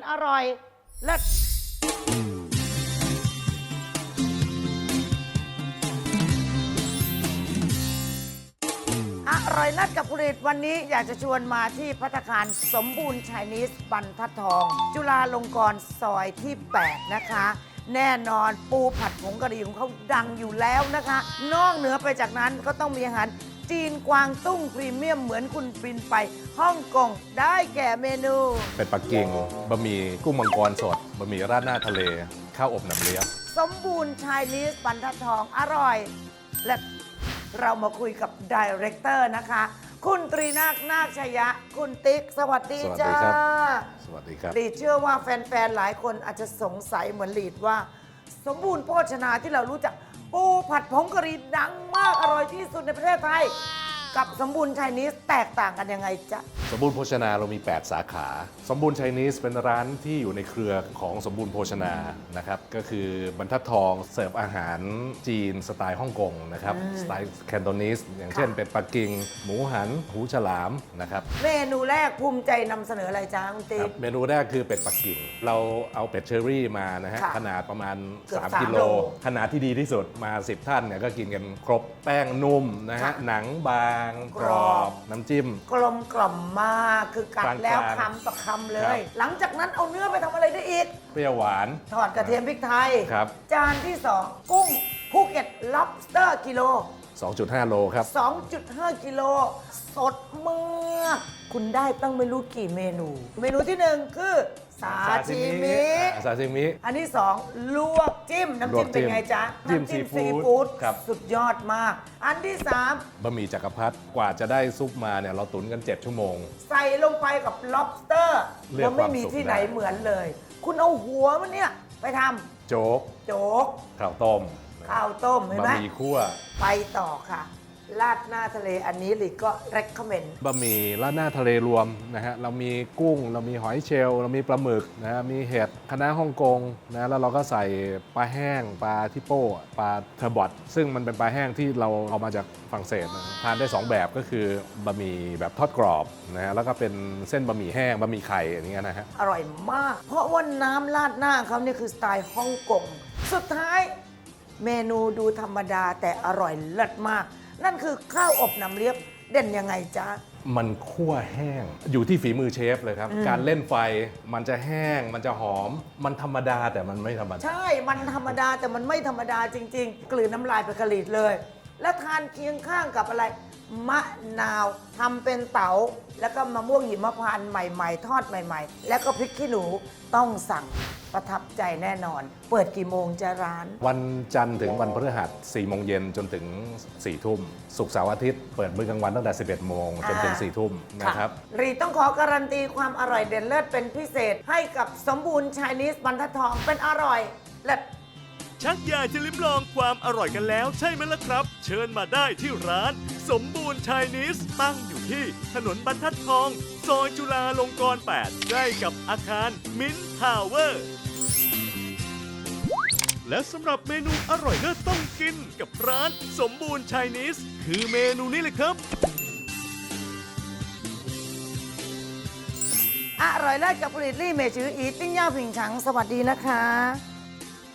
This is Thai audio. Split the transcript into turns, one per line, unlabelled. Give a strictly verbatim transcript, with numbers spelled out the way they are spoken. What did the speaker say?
อร่อยเลิศอร่อยเลิศกับผลิตวันนี้อยากจะชวนมาที่ภัตตาคารสมบูรณ์ไชนีสบรรทัดทอง จุฬาลงกรณ์ซอยที่ แปด นะคะ แน่นอนปูผัดผงกะหรี่ของเขาดังอยู่แล้วนะคะ นอกเหนือไปจากนั้นก็ต้องมีอาหารจีนกวางตุ้งพรีเมียมเหมือนคุณบินไปฮ่องกงได้แก่เมนู
เป็ดปักกิ่งบะหมี่กุ้งมังกรสดบะหมี่ราดหน้าทะเลข้าวอบหนังเลี้ยง
สมบูรณ์ไชนีสบรรทัดทองอร่อย และเรามาคุยกับดีเรคเตอร์นะคะ คุณตรีนาคนาคชยะ คุณติ๊กสวัสดีจ้า
สวัสดีครับ
ลีดเชื่อว่าแฟนๆ หลายคนอาจจะสงสัยเหมือนลีดว่า สมบูรณ์โภชนาที่เรารู้จักปูผัดผงกะหรี่ดังมากอร่อยที่สุดในประเทศไทย กับสมบูรณ์ไชนีสแตกต่างกันยังไงจ๊ะ
สมบูรณ์โภชนาเรามี แปด สาขา สมบูรณ์ไชนีสเป็นร้านที่อยู่ในเครือของสมบูรณ์โภชนานะครับก็คือบรรทัดทองเสิร์ฟอาหารจีนสไตล์ฮ่องกงนะครับสไตล์แคนโตนิสอย่างเช่นเป็ดปักกิ่งหมูหันหูฉลามนะครับ
เมนูแรกภูมิใจนำเสนออะไรจ้าคุณ
ค
ติ๊
รั
ก
บเมนูแรกคือเป็ดปักกิ่ง เราเอาเป็ดเชอรี่มานะฮะ
ค่ะ
ขนาดประมาณ
เกือบ
สาม
สาม
กิโล
โล
ขนาดที่ดีที่สุดมา สิบ ท่านเนี่ยก็กินกันครบแป้งนุ่มนะฮะ
ค่ะ
หนังบางกรอบ น้ำจิ้ม
กลมกล่อมมากคือกัด
กลางๆ
แล้วคำต่อคำเล
ครั
ย
บ
หลังจากนั้นเอาเนื้อไปทำอะไรได้อีก
เปรี้ยวหวาน
ทอดกระเทียมพริกไทย
ครับ
จานที่ สอง กุ้งภูเก็ต lobster กิโล
สองจุดห้า โลครับ
สองจุดห้า กิโล สดมากคุณได้ตั้งไม่รู้กี่เมนู เมนูที่หนึ่งคือซาชิมิ
อ่าซาชิมิ
อันที่สองลวกจิ้ม น้ำจิ้ม
ลวกจิ้
เป็น
ม
ไงจ๊ะ
จิ้ม
น้ำ
ซีฟู้ด
ฟู้ด
ครับ
สุดยอดมาก อันที่สาม
บะหมี่จักรพรรดิกว่าจะได้ซุปมาเนี่ยเราตุ๋นกัน เจ็ด ชั่วโมง
ใส่ลงไปกับ lobster
เลือก
แล้วไม่มี
ความสุข
ที่ไหน
ได้
เหมือนเลย คุณเอาหัวมันเนี่ย ไปท
โจ๊ก
ำโจ๊ก
ข้าวต้ม
ข้าวต้มเห็น
บะ
ไหม
หมี่คั่ว
ไปต่อค่ะ ราดหน้าทะเลอันนี้หลีก็ recommend
บะหมี่ราดหน้าทะเลรวมนะฮะเรามีกุ้ง เรามีหอยเชลล์เรามีปลาหมึกนะฮะมีเห็ดคะน้าฮ่องกงนะแล้วเราก็ใส่ปลาแห้งปลาทิโป้ปลาเทอร์บอทซึ่งมันเป็นปลาแห้งที่เราเอามาจากฝรั่งเศสนะทานได้สองแบบก็คือบะหมี่แบบทอดกรอบนะฮะแล้วก็เป็นเส้นบะหมี่แห้งบะหมี่ไข่อย่างเงี้ยนะฮะ
อร่อยมาก เพราะว่าน้ำราดหน้าเขาเนี่ยคือสไตล์ฮ่องกง สุดท้ายเมนูดูธรรมดาแต่อร่อยเลิศมาก นั่นคือข้าวอบน้ำเลี้ยบเด่นยังไงจ๊ะ
มันคั่วแห้งอยู่ที่ฝีมือเชฟเลยครับ การเล่นไฟมันจะแห้ง มันจะหอม มันธรรมดาแต่มันไม่ธรรมดา
ใช่ มันธรรมดาแต่มันไม่ธรรมดาจริง ๆ กลืนน้ำลายไปกระหลีดเลย แล้วทานเคียงข้างกับอะไร มะนาวทำเป็นเต๋าแล้วก็มะม่วงหิมพานต์ใหม่ๆ ทอดใหม่ๆ แล้วก็พริกขี้หนูต้องสั่งประทับใจแน่นอน เปิดกี่โมงจะร้าน
วันจันทร์ถึงวันพฤหัสสี่โมงเย็นจนถึงสี่ทุ่มศุกร์เสาร์อาทิตย์เปิดมื้อกลางวันตั้งแต่สิบเอ็ดโมงจนถึงสี่ทุ่มนะครับ
รีต้องขอการันตีความอร่อยเด่นเลิศเป็นพิเศษให้กับสมบูรณ์ชายนิสบรรทัดทองเป็นอร่อยเลิศ
ชักอยากจะลิ้มลองความอร่อยกันแล้วใช่ไหมล่ะครับ เชิญมาได้ที่ร้าน สมบูรณ์ชายนิสตั้งอยู่ที่ถนนบรรทัดทอง ซอยจุฬาลงกรณ์ แปด ใกล้กับอาคารมินท์ทาวเวอร์ และสำหรับเมนูอร่อยเลิศต้องกินกับร้านสมบูรณ์ชายนิสคือเมนูนี้เลยครับ
อร่อยเลิศกับผลิตลี่เมจืออีติ้งย่าผิงฉังสวัสดีนะคะ